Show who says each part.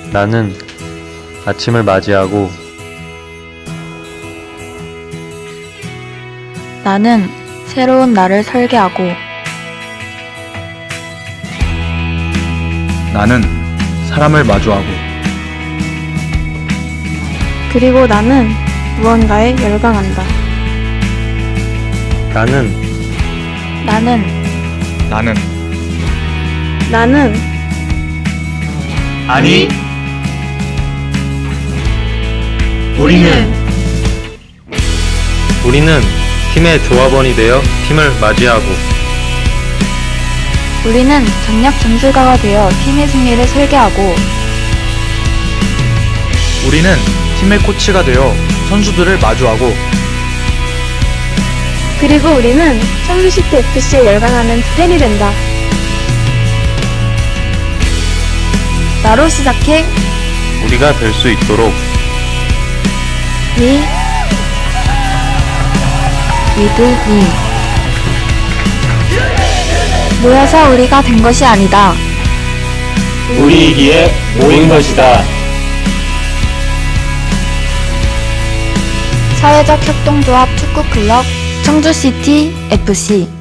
Speaker 1: 나는 아침을 맞이하고
Speaker 2: 나는 새로운 날을 설계하고
Speaker 3: 나는 사람을 마주하고
Speaker 4: 그리고 나는 무언가에 열광한다.
Speaker 1: 나는
Speaker 2: 나는
Speaker 4: 나는
Speaker 3: 아니
Speaker 1: 우리는 팀의 조합원이 되어 팀을 맞이하고
Speaker 2: 우리는 전략 전술가가 되어 팀의 승리를 설계하고
Speaker 3: 우리는 팀의 코치가 되어 선수들을 마주하고
Speaker 4: 그리고 우리는 청주시티 FC에 열광하는 팬이 된다.
Speaker 2: 나로 시작해
Speaker 1: 우리가 될 수 있도록
Speaker 2: We with me 모여서 우리가 된 것이 아니다.
Speaker 5: 우리이기에 모인 것이다.
Speaker 2: 사회적 협동조합 축구클럽 청주시티 FC